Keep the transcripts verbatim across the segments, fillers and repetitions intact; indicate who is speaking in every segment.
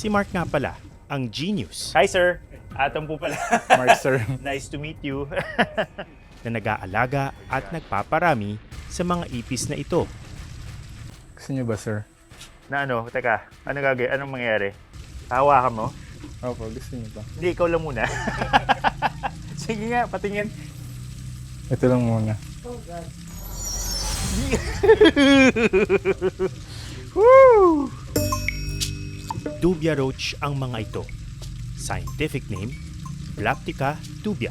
Speaker 1: Si Mark nga pala, ang genius
Speaker 2: Hi, sir. Atom po pala.
Speaker 3: Mark, sir.
Speaker 2: Nice to meet you.
Speaker 1: na nag-aalaga at nagpaparami sa mga ipis na ito.
Speaker 3: Gusto niyo ba, sir?
Speaker 2: Na ano, teka, ano gagawin? Anong mangyayari? Hawakan mo?
Speaker 3: Opo, gusto niyo ba?
Speaker 2: Hindi, ikaw lang muna. Sige nga, patingin.
Speaker 3: Ito lang muna.
Speaker 2: Woo!
Speaker 1: Dubia roach ang mga ito. Scientific name, Blaptica dubia.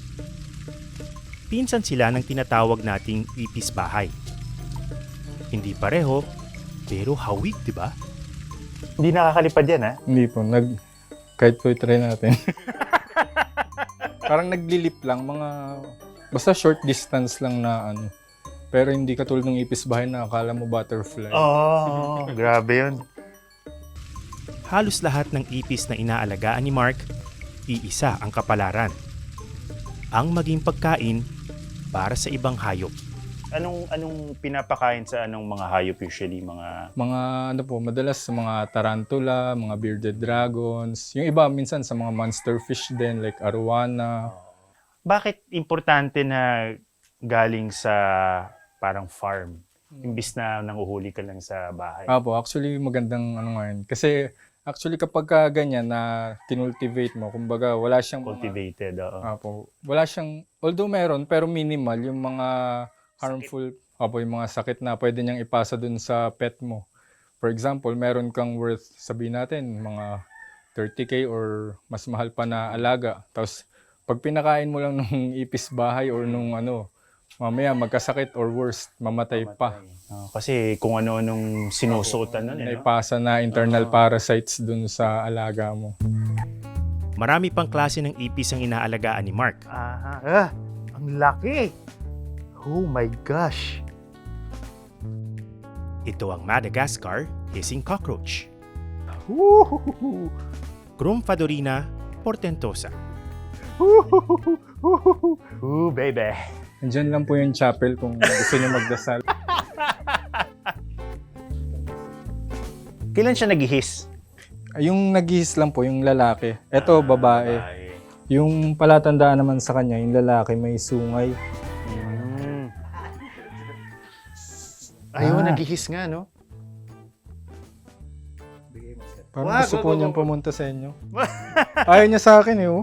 Speaker 1: Pinsan sila ng tinatawag nating ipis bahay. Hindi pareho, pero hawig, di ba?
Speaker 2: Hindi nakakalipad yan, ha?
Speaker 3: Hindi po, nag... Kahit po i-try natin. Parang naglilip lang, mga... Basta short distance lang na ano. Pero hindi katulad ng ipis bahay na akala mo butterfly.
Speaker 2: Oo, oh, grabe yun.
Speaker 1: Halos lahat ng ipis na inaalagaan ni Mark, iisa ang kapalaran. Ang maging pagkain para sa ibang hayop.
Speaker 2: Anong anong pinapakain sa anong mga hayop usually? Mga...
Speaker 3: Mga ano po, madalas sa mga tarantula, mga bearded dragons. Yung iba minsan sa mga monster fish din like arowana.
Speaker 2: Bakit importante na galing sa parang farm? Imbis na nanguhuli ka lang sa bahay.
Speaker 3: Apo, actually magandang ano nga yun. Kasi actually kapag ka ganyan na kinultivate mo, kumbaga wala siyang mga-
Speaker 2: Cultivated, oo.
Speaker 3: Apo, wala siyang, although meron, pero minimal yung mga harmful, apo, yung mga sakit na pwede niyang ipasa dun sa pet mo. For example, meron kang worth, sabihin natin, mga thirty K or mas mahal pa na alaga. Tapos, pag pinakain mo lang nung ipis bahay or nung ano, mamaya magkasakit or worse, mamatay pa.
Speaker 2: Oh, kasi kung ano-anong sinusuotan nun, eh, no?
Speaker 3: Naipasa na internal parasites dun sa alaga mo.
Speaker 1: Marami pang klase ng ipis ang inaalagaan ni Mark.
Speaker 2: Aha. Ah, ang laki! Oh my gosh!
Speaker 1: Ito ang Madagascar hissing cockroach,
Speaker 2: Woohoo!
Speaker 1: Grumpfadorina portentosa,
Speaker 2: Ooh, baby!
Speaker 3: Andyan lang po yung chapel kung gusto niyo magdasal.
Speaker 2: Kailan siya nag-hiss?
Speaker 3: Yung naghihis lang po, yung lalaki. Ito, babae. Yung palatandaan naman sa kanya, yung lalaki may sungay.
Speaker 2: Mm. Ayun,
Speaker 3: Ah.
Speaker 2: nag-hiss nga, no?
Speaker 3: Parang
Speaker 2: Wag,
Speaker 3: gusto
Speaker 2: wag,
Speaker 3: po
Speaker 2: wag,
Speaker 3: niyang
Speaker 2: wag.
Speaker 3: pumunta sa inyo. Ayaw niya sa akin eh, oh.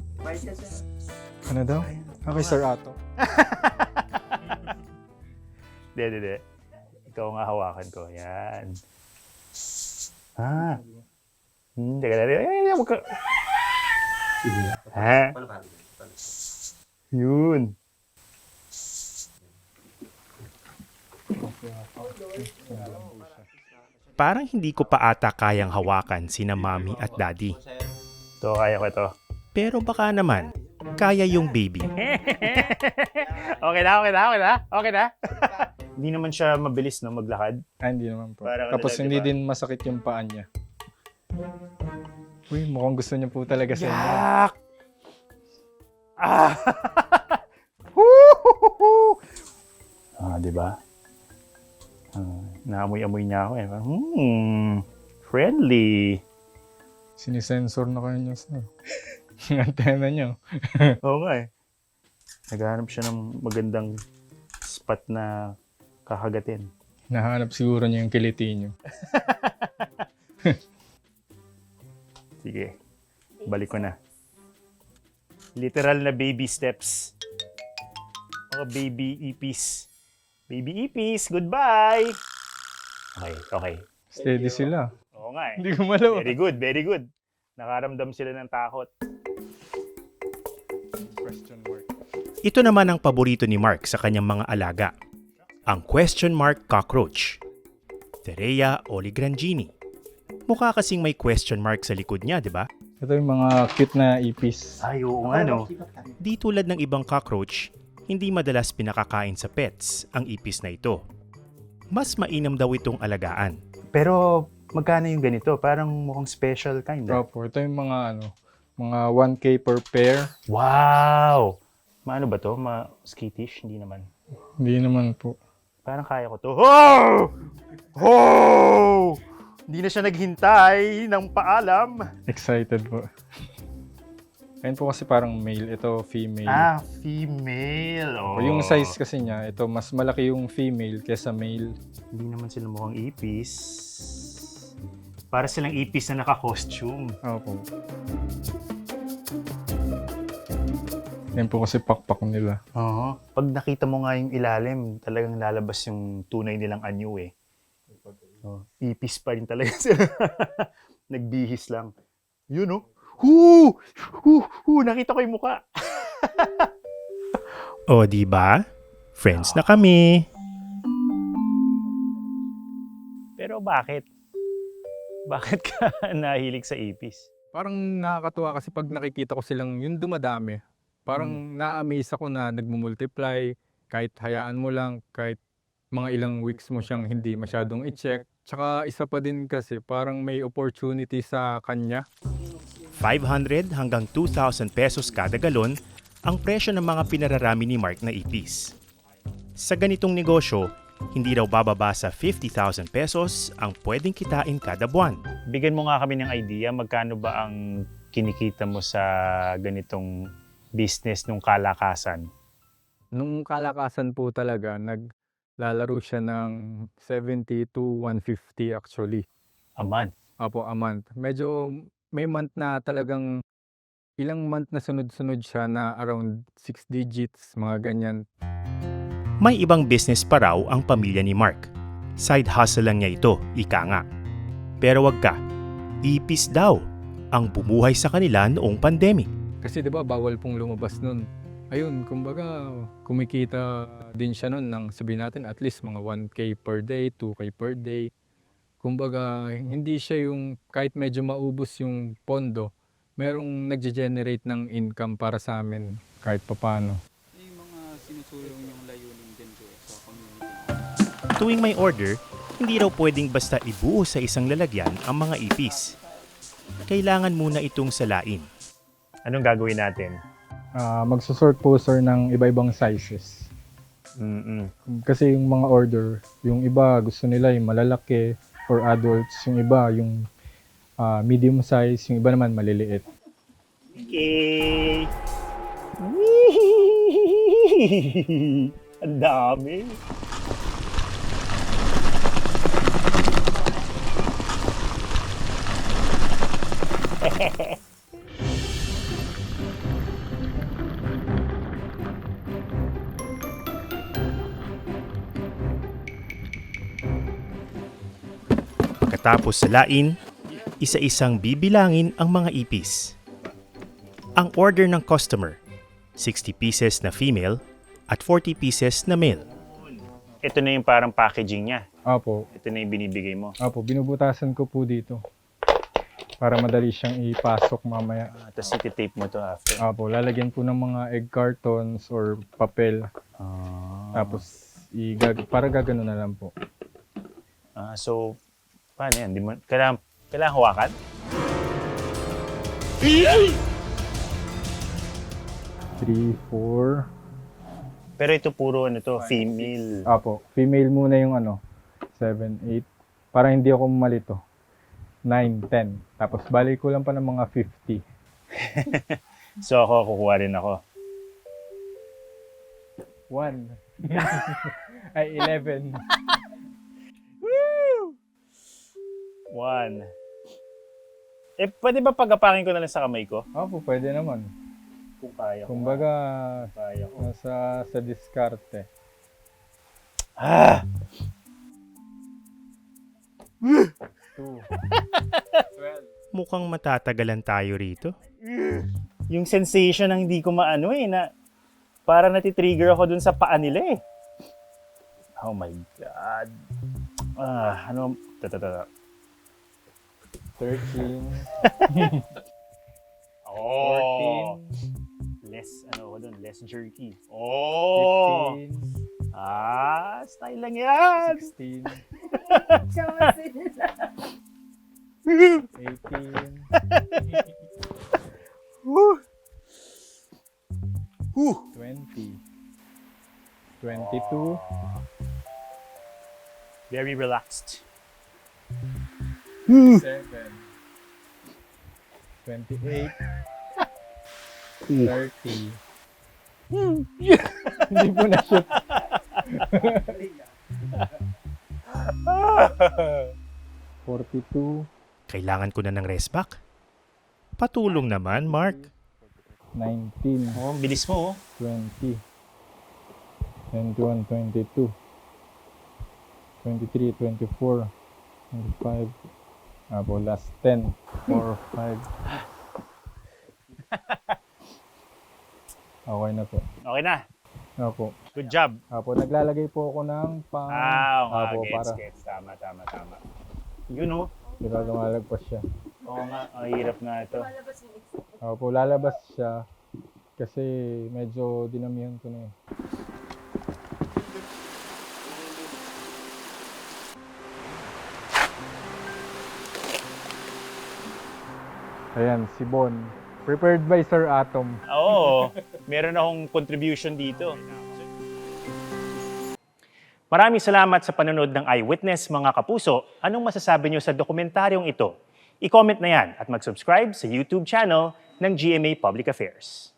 Speaker 3: Ano daw? Okay, Sir Ato.
Speaker 2: Hindi, hindi, hindi. Ikaw nga hawakan ko. Yan. Ah. Hmm, teka na. Ay, ay, wag ka. Ha? Yun.
Speaker 1: Parang hindi ko pa ata kayang hawakan sina Mommy at Daddy.
Speaker 2: Ito, kaya ko ito.
Speaker 1: Pero baka naman, kaya yung baby.
Speaker 2: Okay na, okay na, okay na. Okay na. Hindi naman siya mabilis, no, maglakad.
Speaker 3: Ah, hindi naman po.
Speaker 2: Parang ano
Speaker 3: Tapos
Speaker 2: lang,
Speaker 3: hindi
Speaker 2: diba?
Speaker 3: din masakit yung paa niya. Uy, mukhang gusto niya po talaga sa inyo.
Speaker 2: Yak! Ah! Woo! Ah, di ba? Ah, naamoy-amoy niya ako eh. Parang, Hmm, friendly.
Speaker 3: Sinisensor na kayo niya, sir. Yung antena niya.
Speaker 2: Oo nga eh. Naghahanap siya ng magandang spot na kakagatin.
Speaker 3: Nahanap siguro niya yung kiliti niyo.
Speaker 2: Sige, balik ko na. Literal na baby steps. Mga baby ipis. Baby ipis, goodbye! Okay, okay.
Speaker 3: Steady sila.
Speaker 2: Oo nga eh.
Speaker 3: Hindi gumalaw.
Speaker 2: Very good, very good. Nakaramdam sila ng takot.
Speaker 3: Question mark.
Speaker 1: Ito naman ang paborito ni Mark sa kanyang mga alaga. Ang question mark cockroach, Therea oligrangini. Mukha kasing may question mark sa likod niya, di ba?
Speaker 3: Ito yung mga cute na ipis.
Speaker 2: Ay, oo nga no.
Speaker 1: Di tulad ng ibang cockroach, hindi madalas pinakakain sa pets ang ipis na ito. Mas mainam daw itong alagaan.
Speaker 2: Pero magkano yung ganito? Parang mukhang special kind. ah.
Speaker 3: Proper. Ito yung mga ano, mga one K per pair.
Speaker 2: Wow! Maano ba to? Ma skittish? Hindi naman.
Speaker 3: Hindi naman po.
Speaker 2: Parang kaya ko to. Oh! Oh! Hindi na siya naghintay ng paalam.
Speaker 3: Excited po. Ayun po kasi parang male, ito female.
Speaker 2: Ah, female. Oh.
Speaker 3: O yung size kasi niya, ito mas malaki yung female kesa male.
Speaker 2: Hindi naman sila mukhang ipis. Para silang ipis na naka-costume.
Speaker 3: Opo. Yan po kasi pakpak nila.
Speaker 2: Oo. Pag nakita mo nga yung ilalim, talagang lalabas yung tunay nilang anyo eh. Oh, ipis pa rin talaga sila. Nagbihis lang. Yun oh. Huu! Huu! Huu! Nakita ko yung muka.
Speaker 1: O, di ba? Friends na kami.
Speaker 2: Pero bakit? Bakit ka nahilig sa ipis?
Speaker 3: Parang nakakatuwa kasi pag nakikita ko silang yung dumadami, parang na-amaze ako na nagmumultiply, kahit hayaan mo lang, kahit mga ilang weeks mo siyang hindi masyadong i-check. Tsaka isa pa din kasi parang may opportunity sa kanya.
Speaker 1: five hundred hanggang two thousand pesos kada galon ang presyo ng mga pinararami ni Mark na ipis. Sa ganitong negosyo, hindi raw bababa sa fifty thousand pesos ang pwedeng kitain kada buwan.
Speaker 2: Bigyan mo nga kami ng idea, magkano ba ang kinikita mo sa ganitong business nung kalakasan?
Speaker 3: Nung kalakasan po talaga, naglalaro siya ng seventy to one fifty actually.
Speaker 2: A month.
Speaker 3: Apo, a month. Medyo may month na talagang ilang month na sunod-sunod siya na around six digits, mga ganyan.
Speaker 1: May ibang business pa raw ang pamilya ni Mark. Side hustle lang niya ito, ika nga. Pero wag ka, ipis daw ang bumuhay sa kanila noong pandemic.
Speaker 3: Kasi 'di ba bawal pong lumabas nun. Ayun, kumbaga kumikita din siya nun ng sabihin natin at least mga one K per day, two K per day. Kumbaga hindi siya yung kahit medyo maubos yung pondo, merong nagge-generate ng income para sa amin kahit papaano.
Speaker 4: Yung mga sinusulong yung layunin din ko sa community.
Speaker 1: Tuwing may order, hindi raw pwedeng basta ibuo sa isang lalagyan ang mga ipis. Kailangan muna itong salain.
Speaker 2: Anong gagawin natin?
Speaker 3: Ah, magsusort po sir ng iba-ibang sizes.
Speaker 2: Mm-mm.
Speaker 3: Kasi yung mga order, yung iba gusto nila yung malalaki for adults, yung iba yung ah, medium size, yung iba naman maliliit.
Speaker 2: Okay. Ang dami.
Speaker 1: Pagkatapos salain, isa-isang bibilangin ang mga ipis. Ang order ng customer, sixty pieces na female at forty pieces na male.
Speaker 2: Ito na yung parang packaging niya.
Speaker 3: Apo,
Speaker 2: Ito na yung binibigay mo.
Speaker 3: apo, binubutasan ko po dito para madali siyang ipasok mamaya.
Speaker 2: Ah, tapos iti-tape mo to after.
Speaker 3: Apo, lalagyan po ng mga egg cartons or papel.
Speaker 2: Ah.
Speaker 3: Tapos, igag para gagano na lang po.
Speaker 2: Ah, so, paano yan? Di mo, kailangan, kailangan hawakan?
Speaker 3: three, four.
Speaker 2: Pero ito puro ano to, female.
Speaker 3: Apo, female muna yung ano, seven, eight. Para hindi ako malito. nine, ten. Tapos balik ko lang pa ng mga fifty.
Speaker 2: So ako, kukuha rin ako.
Speaker 3: one. Ay, eleven.
Speaker 2: One. Eh, pwede ba pagapakin ko na lang sa kamay ko?
Speaker 3: Apo, pwede naman.
Speaker 2: Kung kaya ko.
Speaker 3: Kumbaga,
Speaker 2: Kaya ko.
Speaker 3: nasa sa diskarte.
Speaker 2: Ah!
Speaker 3: two.
Speaker 1: Mukhang matatagalan tayo rito.
Speaker 2: Yung sensation ng hindi ko maano eh, na para natitrigger ako dun sa paa nila eh. Oh my God. Ah, ano? Tatatata.
Speaker 3: thirteen.
Speaker 2: Oh!
Speaker 3: fourteen.
Speaker 2: Less, ano ko dun, less jerky. Oh!
Speaker 3: fifteen.
Speaker 2: Ah, style lang yan!
Speaker 3: sixteen.
Speaker 5: Tsaka sila.
Speaker 3: eighteen.
Speaker 2: Woo! Woo!
Speaker 3: twenty. twenty-two.
Speaker 2: Very relaxed.
Speaker 3: seven, twenty-eight, thirty. Hindi po na-shoot. forty-two,
Speaker 1: Kailangan ko na ng rest back. Patulong naman, Mark.
Speaker 3: nineteen,
Speaker 2: Oh, bilis mo, oh.
Speaker 3: twenty, twenty-one, twenty-two, twenty-three, twenty-four, twenty-five, apo last ten, four, five. Okay na po.
Speaker 2: Okay na.
Speaker 3: Apo.
Speaker 2: Good job.
Speaker 3: Apo, naglalagay po ako ng pang...
Speaker 2: Ah, okay.
Speaker 3: Apo,
Speaker 2: Gets,
Speaker 3: para.
Speaker 2: gets. Tama, tama, tama. You know?
Speaker 3: Diba lumalagpas siya.
Speaker 2: Oo nga, ang hirap nga ito.
Speaker 5: Malabas yung exit.
Speaker 3: Apo, lalabas siya kasi medyo dinamihan ko na yun. Ayan, si Bon. Prepared by Sir Atom.
Speaker 2: Oo, meron akong contribution dito. Maraming salamat sa panonood ng Eyewitness, mga kapuso. Anong masasabi niyo sa dokumentaryong ito? I-comment na yan at mag-subscribe sa YouTube channel ng G M A Public Affairs.